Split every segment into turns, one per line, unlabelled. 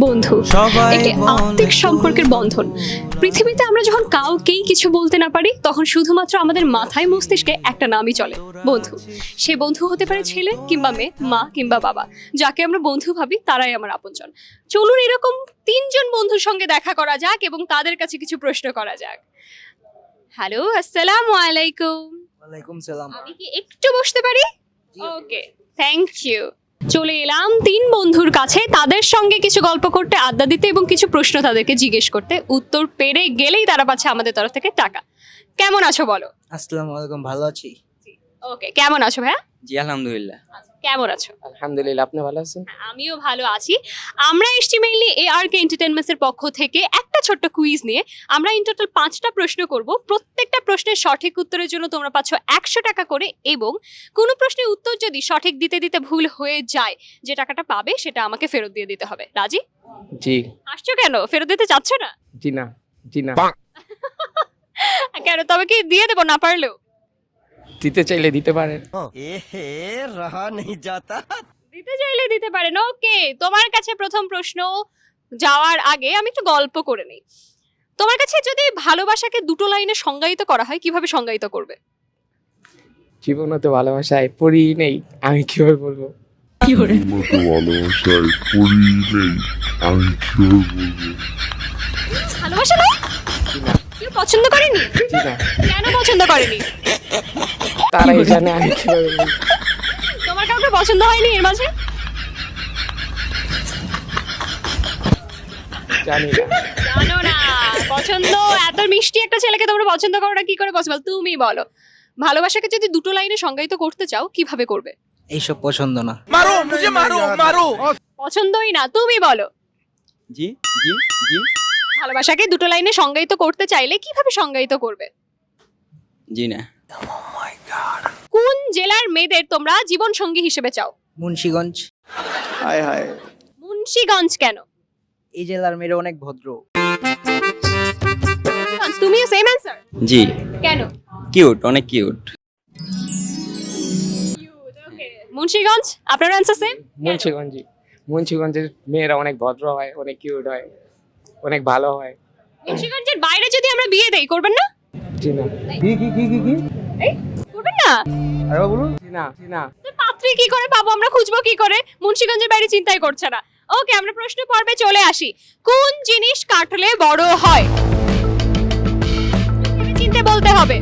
বন্ধু একটি আত্মিক সম্পর্কের বন্ধন। পৃথিবীতে আমরা যখন কাউকেই কিছু বলতে না পারি তখন শুধুমাত্র আমাদের মাথায় মস্তিষ্কে একটা নামই চলে, বন্ধু। সে বন্ধু হতে পারে ছেলে কিংবা মেয়ে, মা কিংবা বাবা। যাকে আমরা বন্ধু ভাবি তারাই আমার আপনজন। চলুন এরকম তিনজন বন্ধুর সঙ্গে দেখা করা যাক এবং তাদের কাছে কিছু প্রশ্ন করা যাক। হ্যালো, আসসালামু আলাইকুম।
ওয়ালাইকুম সালাম।
আমি কি একটু বসতে পারি? Okay, thank you. চলে এলাম তিন বন্ধুর কাছে, তাদের সঙ্গে কিছু গল্প করতে, আড্ডা দিতে এবং কিছু প্রশ্ন তাদেরকে জিজ্ঞেস করতে। উত্তর পেরে গেলেই তারা পাচ্ছে আমাদের তরফ থেকে টাকা। কেমন আছো বলো?
আসসালামু আলাইকুম, ভালো আছি।
ওকে, কেমন আছো ভাইয়া?
জি আলহামদুলিল্লাহ।
কেমন আছো?
আলহামদুলিল্লাহ, আপনি ভালো আছেন?
আমিও ভালো আছি। আমরা এসছি মেইনলি ARK এন্টারটেইনমেন্টস এর পক্ষ থেকে একটা ছোট্ট কুইজ নিয়ে। আমরা ইন টোটাল 5টা প্রশ্ন করব। প্রত্যেকটা প্রশ্নের সঠিক উত্তরের জন্য তোমরা পাচ্ছ 100 টাকা করে, এবং কোনো প্রশ্নের উত্তর যদি সঠিক দিতে দিতে ভুল হয়ে যায়, যে টাকাটা পাবে সেটা আমাকে ফেরত দিয়ে দিতে হবে। রাজি?
জি।
আসছো কেন? ফেরত দিতে চাচ্ছ না?
জি না, জি না।
কেন, তবে কি দিয়ে দেবো না পারলেও?
দিতে চাইলে দিতে পারেন।
দিতে চাইলে দিতে পারেন। ওকে, তোমার কাছে প্রথম প্রশ্ন যাওয়ার আগে আমি একটু গল্প করে নেই। তোমার কাছে যদি ভালোবাসাকে দুটো লাইনে সংজ্ঞায়িত করা হয়, কিভাবে সংজ্ঞায়িত করবে?
জীবনে তো ভালোবাসায় পড়ি নেই, আমি কিভাবে বলবো?
মতো ভালোবাসায় পড়ি নেই, আমি কিভাবে বলবো?
ভালোবাসা নয়? কেউ পছন্দ করেনি?
জি না।
কেন পছন্দ করেনি?
তারাই জানে, আমি কিভাবে বলবো?
তোমার কাউকে পছন্দ হয়নি এর মাঝে?
জানি না।
জানো না? পছন্দ, এত মিষ্টি একটা ছেলেকে তোমরা পছন্দ করো না, কি করে পসিবল? তুমি বলো, ভালোবাসাকে যদি দুটো লাইনে সংজ্ঞায়িত করতে চাও কিভাবে করবে?
এইসব পছন্দ না।
পছন্দই না, তুমি বলো।
জি জি জি
ভালোবাসাকে দুটো লাইনে সংজ্ঞায়িত করতে চাইলে কিভাবে সংজ্ঞায়িত করবে?
জি না।
কোন জেলার মেয়েদের তোমরা জীবন সঙ্গী হিসেবে চাও?
মুন্সিগঞ্জ।
মুন্সিগঞ্জ কেন?
এই জেলার মেয়েরা অনেক ভদ্র।
মুন্সিগঞ্জ, তুমিও সেম অ্যানসার?
জি।
কেন?
কিউট, অনেক কিউট।
মুন্সিগঞ্জ, আপনার অ্যানসার সেম?
মুন্সিগঞ্জের মেয়েরা অনেক ভদ্র হয়, অনেক কিউট হয়, অনেক ভালো হয়।
মুন্সিগঞ্জের বাইরে যদি আমরা বিয়ে দেই, করবেন না?
জি না।
এই, করবেন না?
জি না, জি না।
তো পাত্রী কি করে পাবো আমরা, খুঁজবো কি করে? মুন্সিগঞ্জের বাইরে চিন্তাই করছে না। ওকে, আমরা প্রশ্ন পর্বে চলে আসি। কোন জিনিস কাটলে বড় হয়? চিনতে বলতে হবে।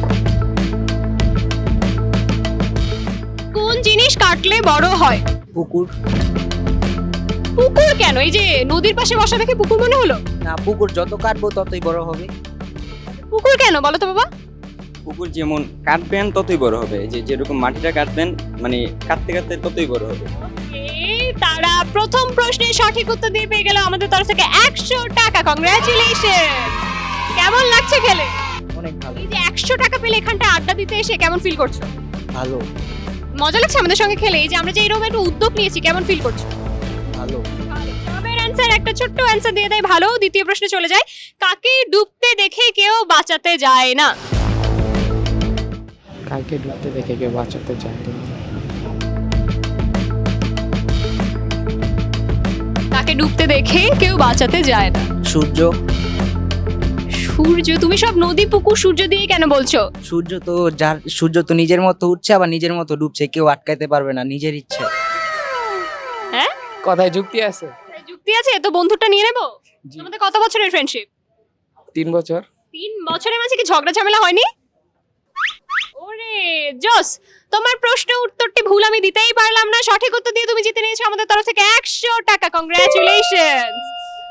কোন জিনিস কাটলে বড় হয়?
পুকুর।
পুকুর কেন? এই যে নদীর পাশে বসা দেখে পুকুর মনে হলো?
না, পুকুর যত কাটবো ততই বড় হবে।
পুকুর কেন বলো তো বাবা?
পুকুর যেমন কাটবেন ততই বড় হবে, যে যেরকম মাটিটা কাটবেন, মানে কাটতে কাটতে ততই বড় হবে।
এই, তারা প্রথম প্রশ্নের সঠিক উত্তর দিয়ে পেয়ে গেল আমাদের তরফ থেকে 100 টাকা। কংগ্রাচুলেশন। কেমন লাগছে খেলে?
অনেক ভালো।
এই যে 100 টাকা পেলে এখানটা আড্ডা দিতে এসে কেমন ফিল করছো?
ভালো।
মজা লাগছে আমাদের সঙ্গে খেলে? এই যে আমরা যে এরকম একটা উদ্যোগ নিয়েছি, কেমন ফিল করছো?
ভালো।
তবের অ্যানসার, একটা ছোট্ট অ্যানসার দিয়ে দেয় ভালো। দ্বিতীয় প্রশ্নে চলে যায়। কাকে ডুবতে দেখে কেউ বাঁচাতে যায় না?
কালকে ডুবতে দেখে কেউ বাঁচাতে চায় না।
কাকে ডুবতে দেখে কেউ বাঁচাতে যায় না?
সূর্য।
সূর্য? তুমি সব নদী পুকুর সূর্য দিয়ে কেন বলছো?
সূর্য তো নিজের মতো উঠছে, আবার নিজের মতো ডুবছে, কেউ আটকাইতে পারবে না, নিজের ইচ্ছে।
হ্যাঁ,
কথায় যুক্তি আছে।
যুক্তি আছে তো। বন্ধুটা নিয়ে নেবো।
জি।
তোমাদের কত বছরের ফ্রেন্ডশিপ?
3 বছর।
3 বছরের মাঝে কি ঝগড়া ঝামেলা হয়নি? ওরে জস, তোমার প্রশ্ন উত্তরটি ভুল, আমি দিতেই পারলাম না। সঠিক উত্তর দিয়ে তুমি জিতে নিয়েছো আমাদের তরফ থেকে 100 টাকা। কংগ্রাচুলেশনস।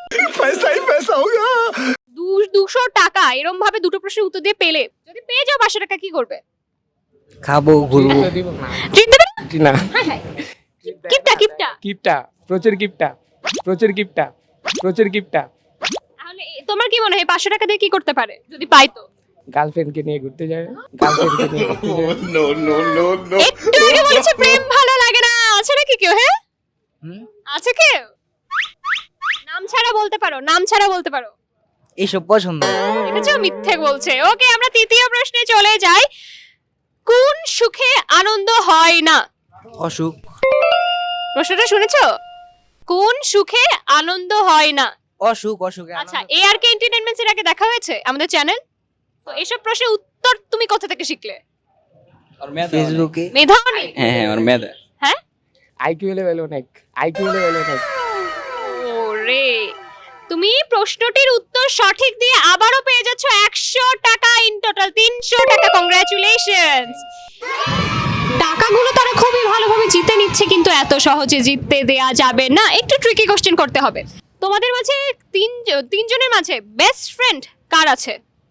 200 টাকা এরকম ভাবে দুটো প্রশ্নের উত্তর দিয়ে পেলে, যদি পেয়ে যাও 500 টাকা, কি করবে?
খাবো, ঘুরবো।
তো দিব না।
ট্রিট দেবে?
জি না।
হ্যাঁ হ্যাঁ, কিপটা কিপটা।
কিপটা, প্রচুর কিপটা, প্রচুর কিপটা, প্রচুর কিপটা।
তাহলে তোমার কি মনে হয় 500 টাকা দিয়ে কি করতে পারে যদি পাই? তো
গার্লফ্রেন্ডকে নিয়ে ঘুরতে যাবে, গার্লফ্রেন্ডকে নিয়ে ঘুরতে যাবে।
একটু আগে বলেছে প্রেম ভালো লাগে না। আছে নাকি কেউ? হ্যাঁ,
হুম?
আছে কেউ? নাম ছাড়া বলতে পারো, নাম ছাড়া বলতে পারো।
এইসব পছন্দ না।
দেখেছো, মিথ্যে বলছে। ওকে, আমরা তৃতীয় প্রশ্নে চলে যাই। কোন সুখে আনন্দ হয় না?
অসুখ।
প্রশ্নটা শুনেছো? কোন সুখে আনন্দ হয় না?
অসুখ অসুখে
আচ্ছা, ARK এন্টারটেইনমেন্টস এর আগে দেখা হয়েছে আমাদের চ্যানেল? তো এসব প্রশ্নের উত্তর তুমি কোথা থেকে শিখলে?
আর মেধা অনেক।
ফেসবুকে
মেধা নেই?
হ্যাঁ হ্যাঁ আর মেধা।
হ্যাঁ,
আইকিউ লেভেল অনেক, আইকিউ লেভেল অনেক।
ওরে, তুমি প্রশ্নটির উত্তর সঠিক দিয়ে আবারও পেয়ে যাচ্ছ 100 টাকা, ইন টোটাল 300 টাকা। কংগ্রাচুলেশনস। টাকাগুলো তারা খুবই ভালোভাবে জিতে নিচ্ছে, কিন্তু এত সহজে জিততে দেয়া যাবে না, একটু ট্রিকি কোশ্চেন করতে হবে। তোমাদের মাঝে তিনজনের মাঝে বেস্ট ফ্রেন্ড কার আছে?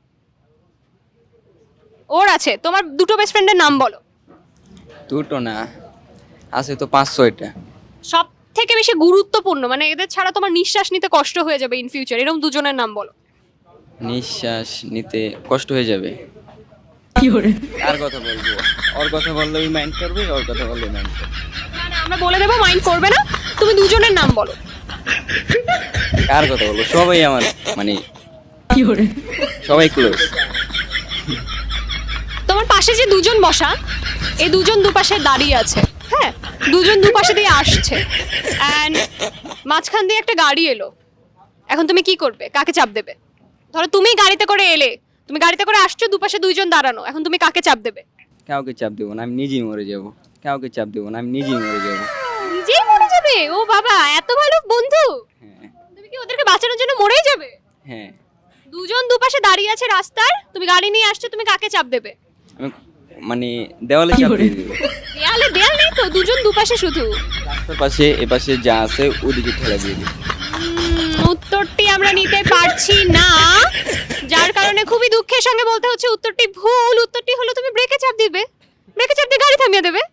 ওর আছে। তোমার দুটো বেস্ট ফ্রেন্ডের নাম বলো।
দুটো না, আছে তো 5-6টা।
সব থেকে বেশি গুরুত্বপূর্ণ, মানে এদের ছাড়া তোমার নিঃশ্বাস নিতে কষ্ট হয়ে যাবে ইন ফিউচার, এরকম দুজনের নাম বলো।
নিঃশ্বাস নিতে কষ্ট হয়ে যাবে। কার কথা বলবো? ওর কথা বললে ওই মাইন্ড করবে, ওর কথা বললে মাইন্ড করবে।
না না, আমরা বলে দেবো, মাইন্ড করবে না। তুমি দুজনের নাম বলো।
কার কথা বলবো? সবাই আমার মানে সবাই ক্লোজ।
তোমার পাশে যে দুজন বসা, এই দুজন দুপাশে দাঁড়িয়ে আছে, হ্যাঁ, দুজন দুপাশে দিয়ে আসছে, অ্যান্ড মাঝখান দিয়ে একটা গাড়ি এলো। এখন তুমি কি করবে? কাকে চাপ দেবে? ধরো তুমি গাড়িতে করে এলে, তুমি গাড়িতে করে আসছো, দুপাশে দুইজন দাঁড়ানো, এখন তুমি কাকে চাপ দেবে?
কাউকে চাপ দেবো না, আমি নিজেই মরে যাব। কাউকে চাপ দেবো না, আমি নিজেই মরে যাব।
নিজেই মরে যাবে? ও বাবা, এত ভালো বন্ধু!
হ্যাঁ
তুমি কি ওদেরকে বাঁচানোর জন্য মরেই যাবে?
হ্যাঁ।
দুজন দুপাশে দাঁড়িয়ে আছে রাস্তার, তুমি গাড়ি নিয়ে আসছো, তুমি কাকে চাপ দেবে?
আমি মানে দেওয়ালে চাপ দিয়ে দেবো।
দেয়াল নেই তো, দুজন দুপাশে শুধু।
রাস্তার পাশে এপাশে যা আছে ওদিকে ঠেলা দিয়ে দিই।
উত্তরটি আমরা নিতে পারছি না, যার কারণে খুবই দুঃখের সঙ্গে বলতে হচ্ছে উত্তরটি ভুল। উত্তরটি হলো তুমি ব্রেকে চাপ দিবে, ব্রেকে চাপ দিয়ে গাড়ি থামিয়ে দেবে।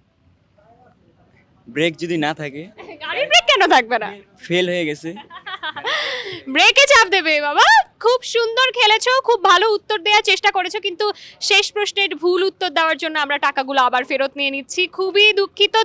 ব্রেক যদি না থাকে,
গাড়ির ব্রেক কেন থাকবে না?
ফেল হয়ে গেছে।
ব্রেকে চাপ দেবে। বাবা, খুব সুন্দর খেলেছো, খুব ভালো উত্তর দেওয়ার চেষ্টা করেছো, কিন্তু শেষ প্রশ্নের ভুল উত্তর দেওয়ার জন্য আমরা টাকাগুলো আবার ফেরত নিয়ে নিচ্ছি। খুবই দুঃখিত।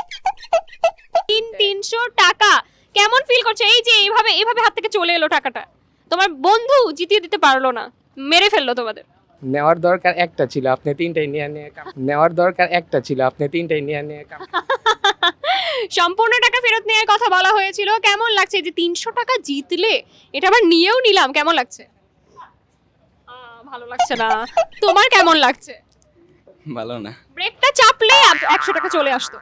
300 টাকা। কেমন ফিল করছো এই যে এইভাবে এইভাবে হাত থেকে চলে এলো টাকাটা? তোমার বন্ধু জিতিয়ে দিতে পারলো না, মেরে ফেললো তোমাদের।
নেওয়ার দরকার একটা ছিল, আপনি তিনটাই নিয়ে নিয়ে নেওয়ার দরকার একটা ছিল, আপনি তিনটাই নিয়ে নিয়ে
সম্পূর্ণ টাকা ফেরত নেওয়ার কথা বলা হয়েছিল। কেমন লাগছে যে 300 টাকা জিতলে? এটা আবার নিয়েও নিলাম, কেমন লাগছে? ভালো লাগছে না। তোমার কেমন লাগছে?
ভালো না।
ব্রেকটা চাপলে 100 টাকা চলে আসতো।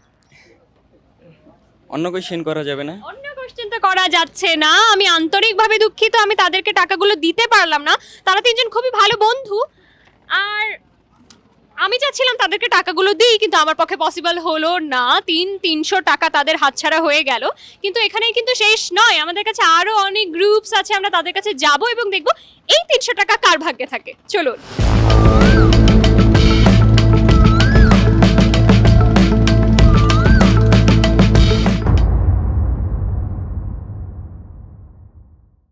অন্য কোশ্চেন করা যাবে না?
অন্য কোশ্চেন তো করা যাচ্ছে না। আমি আন্তরিকভাবে দুঃখিত, আমি তাদেরকে টাকাগুলো দিতে পারলাম না। তারা তিনজন খুবই ভালো বন্ধু, আর আমি চাচ্ছিলাম তাদেরকে টাকাগুলো দিই, কিন্তু আমার পক্ষে পসিবল হলো না। 300 টাকা তাদের হাতছাড়া হয়ে গেল। কিন্তু এখানেই কিন্তু শেষ নয়, আমাদের কাছে আরো অনেক গ্রুপস আছে, আমরা তাদের কাছে যাব এবং দেখব এই 300 টাকা কার ভাগ্যে থাকে। চলুন।